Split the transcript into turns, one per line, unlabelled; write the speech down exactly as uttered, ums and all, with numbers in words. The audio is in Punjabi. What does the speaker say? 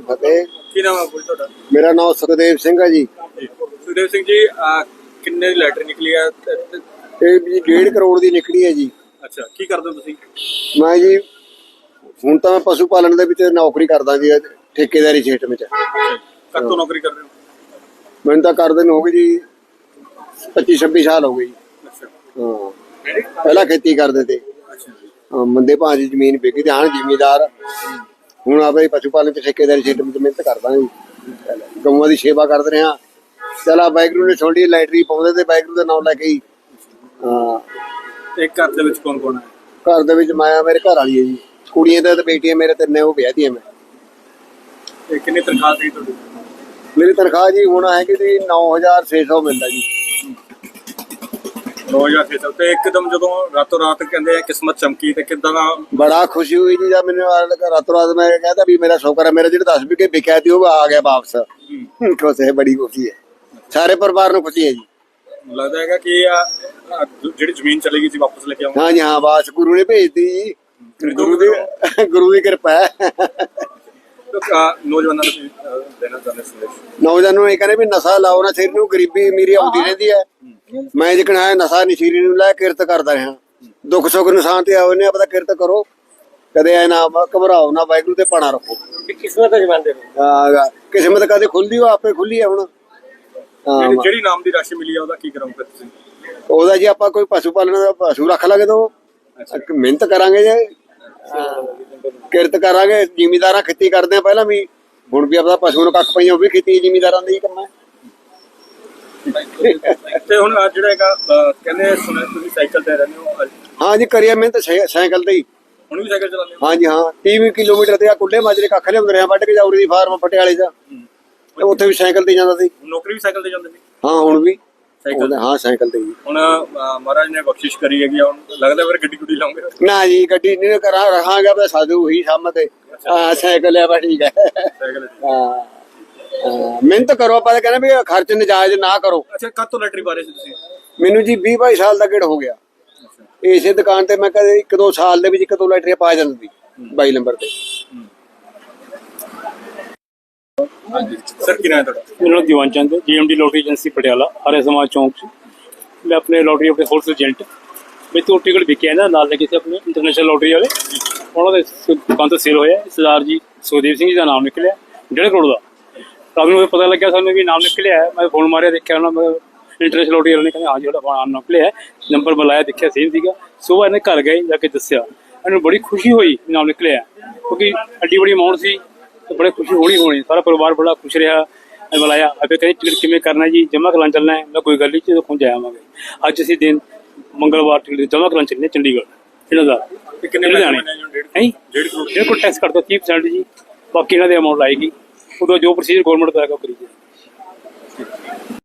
ਫਤਿਹ।
ਕੀ ਨਾਮ ਹੈ ਬੋਲ ਤੁਹਾਡਾ?
ਮੇਰਾ ਨਾਮ ਸੁਖਦੇਵ ਸਿੰਘ ਹੈ ਜੀ।
ਸੁਖਦੇਵ ਸਿੰਘ ਜੀ, ਕਿੰਨੇ ਦੀ ਲੈਟਰ ਨਿਕਲੀ ਆ?
ਇਹ ਜੀ ਡੇਢ ਕਰੋੜ ਦੀ ਨਿਕਲੀ ਹੈ ਜੀ।
ਅੱਛਾ, ਕੀ ਕਰਦੇ ਹੋ ਤੁਸੀਂ?
ਮੈਂ ਜੀ ਹੁਣ ਤਾਂ ਮੈਂ ਪਸ਼ੂ ਪਾਲਣ ਦੇ ਵਿੱਚ ਨੌਕਰੀ ਕਰਦਾ ਜੀ, ਠੇਕੇਦਾਰੀ ਖੇਤ ਵਿੱਚ।
ਕਦ ਤੋਂ ਨੌਕਰੀ ਕਰ ਰਹੇ ਹੋ?
ਮੈਨੂੰ ਤਾਂ ਕਰਦੇ ਨੂੰ ਹੋ ਗਏ ਜੀ ਪੱਚੀ ਛੱਬੀ ਸਾਲ ਹੋ ਗਏ ਜੀ।
ਅੱਛਾ,
ਹਾਂ, ਪਹਿਲਾਂ ਖੇਤੀ ਕਰਦੇ ਤੇ।
ਅੱਛਾ,
ਮੰਦੇ ਭਾਅ ਦੀ ਜ਼ਮੀਨ ਵਿਕੀ ਤੇ ਹਾਂ ਜ਼ਿਮੀਦਾਰ। ਹੁਣ ਆਪੇ ਪਸ਼ੂ ਪਾਲਣ ਚ ਠੇਕੇਦਾਰੀ ਖੇਤ ਵਿੱਚ ਮਿਹਨਤ ਕਰਦਾ ਜੀ, ਗਊਆਂ ਦੀ ਸੇਵਾ ਕਰਦੇ ਰਹੇ ਹਾਂ। ਚਲਾ ਵਾਹਿਗੁਰੂ ਨੇ ਛੋਟੀ ਲਾਈਟਰੀ ਪਾਉਂਦੇ ਤੇ ਵਾਹਿਗੁਰੂ ਦਾ ਨਾਮ ਲੈ ਕੇ ਹੀ। ਹਾਂ,
ਇੱਕ ਘਰ ਦੇ ਵਿੱਚ ਕੌਣ ਕੌਣ ਹੈ?
ਘਰ ਦੇ ਵਿੱਚ ਮਾਇਆ ਮੇਰੇ ਘਰ ਵਾਲੀ ਹੈ ਜੀ, ਕੁੜੀਆਂ ਤੇ ਬੇਟੀਆਂ ਮੇਰੇ ਤਿੰਨੇ, ਉਹ ਵਿਆਹ ਦੀਆਂ ਮੈਂ।
ਤੇ ਕਿੰਨੀ ਤਨਖਾਹ ਸੀ ਤੁਹਾਡੀ?
ਮੇਰੀ ਤਨਖਾਹ ਜੀ ਹੁਣ ਹੈਗੀ ਜੀ ਨੌ ਹਜ਼ਾਰ ਛੇ ਸੌ ਮਿਲਦਾ ਜੀ।
ਨੌ ਹਜ਼ਾਰ ਛੇ ਸੌ। ਤੇ ਇੱਕਦਮ ਜਦੋਂ ਰਾਤੋਂ ਰਾਤ ਕਹਿੰਦੇ ਆ ਕਿਸਮਤ ਚਮਕੀ, ਤੇ ਕਿੱਦਾਂ ਦਾ?
ਬੜਾ ਖੁਸ਼ੀ ਹੋਈ ਜੀ ਜਦ ਮੈਨੂੰ ਰਾਤੋਂ ਰਾਤ ਮੈਂ ਕਹਿੰਦਾ ਵੀ ਮੇਰਾ ਸ਼ੁਕਰ ਹੈ, ਮੇਰਾ ਜਿਹੜਾ ਦਸ ਵਿਕੇ ਵਿਕਿਆ ਸੀ ਉਹ ਆ ਗਿਆ ਵਾਪਸ। ਖੁਸ਼ ਹੈ, ਬੜੀ ਖੁਸ਼ੀ ਹੈ, ਸਾਰੇ ਪਰਿਵਾਰ ਨੂੰ ਖੁਸ਼ੀ ਹੈ ਜੀ।
ਲੱਗਦਾ ਹੈਗਾ ਕਿ ਆ ਜਿਹੜੀ ਜ਼ਮੀਨ ਚਲੀ ਗਈ ਸੀ ਵਾਪਸ ਲੈ ਕੇ ਆਉਂਗਾ।
ਹਾਂ ਜੀ, ਹਾਂ, ਬਾਸ ਗੁਰੂ ਨੇ ਭੇਜਤੀ ਜੀ, ਗੁਰੂ ਦੀ ਗੁਰੂ ਦੀ ਕਿਰਪਾ ਹੈ।
ਨੌਜਵਾਨਾਂ ਨੂੰ ਦੇਣਾ ਚਾਹੁੰਦੇ ਸੰਦੇਸ਼?
ਨੌਜਵਾਨਾਂ ਨੂੰ ਇਹ ਕਹਿੰਦੇ ਵੀ ਨਸ਼ਾ ਲਾਓ ਨਾ, ਸਿਰ ਨੂੰ ਗਰੀਬੀ ਅਮੀਰੀ ਆਉਂਦੀ ਰਹਿੰਦੀ ਹੈ। ਮੈਂ ਜਿਕਣਾ ਨਸ਼ਾ ਨਸ਼ੀਰੀ ਨੂੰ ਲੈ ਕਿਰਤ ਕਰਦਾ ਰਿਹਾ, ਦੁੱਖ ਸੁੱਖ ਨਿਸ਼ਾਨ ਤੇ ਆਉਨੇ ਆ, ਪਤਾ ਕਿਰਤ ਕਰੋ, ਕਦੇ ਐ ਨਾ ਘਬਰਾਓ ਨਾ, ਵਾਹਿਗੁਰੂ ਤੇ ਪਾਣਾ ਰੱਖੋ।
ਕਿਸਮਤ ਜਮਾਂਦੇ
ਹਾਂ, ਕਿਸਮਤ ਕਦੇ ਖੁੱਲਦੀ, ਉਹ ਆਪੇ ਖੁੱਲੀ ਹੈ ਹੁਣ।
ਜਿਹੜੀ ਨਾਮ ਦੀ ਰਾਸ਼ੀ ਮਿਲੀ ਆ ਉਹਦਾ ਕੀ ਕਰਾਂਗੇ ਤੁਸੀਂ?
ਉਹਦਾ ਜੀ ਆਪਾਂ ਕੋਈ ਪਸ਼ੂ ਪਾਲਣ ਦਾ ਪਸ਼ੂ ਰੱਖ ਲਾਂਗੇ, ਤਾਂ ਮਿਹਨਤ ਕਰਾਂਗੇ ਜੇ, ਕਿਰਤ ਕਰਾਂਗੇ। ਜ਼ਿਮੀਦਾਰਾਂ ਖੇਤੀ ਕਰਦੇ ਆ ਪਹਿਲਾਂ ਵੀ, ਹੁਣ ਵੀ ਆਪਦਾ ਪਸ਼ੂ ਨੂੰ ਕੱਖ ਪਈਆਂ, ਉਹ ਵੀ ਖੇਤੀ ਜ਼ਿਮੀਦਾਰਾਂ ਦਾ ਹੀ ਕੰਮ ਹੈ।
ਤੇ ਹੁਣ ਜਿਹੜਾ ਹੈਗਾ ਕਹਿੰਦੇ ਸੁਣਿਆ ਤੁਸੀਂ ਸਾਈਕਲ ਤੇ ਰਹਿੰਦੇ ਹੋ?
ਹਾਂ ਜੀ, ਕਰੀਏ ਮਿਹਨਤ ਸਾਈਕਲ ਤੇ ਹੀ।
ਹੁਣ ਵੀ ਸਾਈਕਲ ਚਲਾਉਂਦੇ ਹੋ?
ਹਾਂ ਜੀ, ਹਾਂ, ਤੀਹ ਕਿਲੋਮੀਟਰ ਤੇ ਆ ਕੁੱਲੇ ਮਾਜਰੇ ਕੱਖ ਲਿਆਉਂਦੇ ਰਹੇ ਵੱਢ ਕੇ, ਜਾਉਰੀ ਦੀ ਫਾਰਮ ਪਟਿਆਲੇ ਚ, ਉੱਥੇ ਵੀ ਸਾਈਕਲ ਤੇ ਜਾਂਦਾ ਸੀ।
ਨੌਕਰੀ ਵੀ ਸਾਈਕਲ ਤੇ ਜਾਂਦੇ ਸੀ?
ਹਾਂ, ਹੁਣ ਵੀ
ਸਾਈਕਲ?
ਹਾਂ, ਸਾਈਕਲ ਤੇ ਹੀ।
ਹੁਣ ਮਹਾਰਾਜ ਨੇ ਬਖਸ਼ਿਸ਼ ਕਰੀ ਹੈਗੀ, ਹੁਣ ਲੱਗਦਾ ਫਿਰ ਗੱਡੀ ਗੁੱਡੀ ਲਾਉਂਗੇ?
ਨਾ ਜੀ, ਗੱਡੀ ਨਹੀਂ ਕਰਾਂ, ਰਹਾਂਗਾ ਬਸ ਸਾਧੂ ਹੀ ਸਾਹਮਣੇ ਤੇ। ਹਾਂ, ਸਾਈਕਲ ਆ ਬਸ, ਠੀਕ ਹੈ।
ਸਾਈਕਲ?
ਹਾਂ, ਮਿਹਨਤ ਕਰੋ, ਆਪਾਂ ਤਾਂ ਕਹਿੰਦੇ ਵੀ ਖਰਚ ਨਜਾਇਜ਼ ਨਾ ਕਰੋ।
ਅੱਛਾ, ਕਦ ਤੋਂ ਲੈਟਰੀ ਪਾ ਰਹੇ ਸੀ ਤੁਸੀਂ?
ਮੈਨੂੰ ਜੀ ਵੀਹ ਬਾਈ ਸਾਲ ਦਾ ਗੇੜ ਹੋ ਗਿਆ। ਇਸੇ ਦੁਕਾਨ ਤੇ ਮੈਂ ਕਦੇ ਇੱਕ ਦੋ ਸਾਲ ਦੇ ਵਿੱਚ ਇੱਕ ਦੋ ਲੈਟਰੀਆਂ ਪਾ ਜਾਂਦੀ ਬਾਈ ਨੰਬਰ ਤੇ।
ਸਰ, ਕੀ ਨਾਮ ਹੈ ਤੁਹਾਡਾ?
मेरा नाम दीवान चंद है, GMD lottery agency Patiala, Arya Samaj Chowk से। मैं अपने लॉटरी अपने होलसेल एजेंट मैं तो टिकट विके ना नाल लगे थे अपने इंटरनेशनल लॉटरी वाले, उन्होंने दुकान तो सेल होया। सरदार जी सुखदेव सिंह जी का नाम निकलिया डेढ़ करोड़ का। रात में पता लग गया सानू भी नाम निकलिया है। मैं फोन मारिया, देखा ना इंटरनेशनल लॉटरी वाले ने कहते हाँ जी नाम निकलिया है, नंबर बुलाया, देखा सेम सीगा। सुबह इन्हें घर गए, जाके दसिया, इन्हें बड़ी खुशी हुई नाम निकलिया, क्योंकि एड्डी बड़ी अमाउंट सी, तो बड़े खुशी होनी होनी। सारा परिवार बड़ा खुश रहा। बुलाया अबे कहीं टिकट किमें करना जी, जमा कराने चलना है? मैं कोई गल नहीं, जो पहुँच जावांगे। अज असीं दिन मंगलवार टिकट जमा कराने चलने चंडीगढ़ इन्हां दा। डेढ़ करोड़ टैक्स कट दो तीह परसेंट जी, बाकी इन्हां दी अमाउंट आएगी, उदों जो प्रोसीजर गौरमेंट दा करी जाए।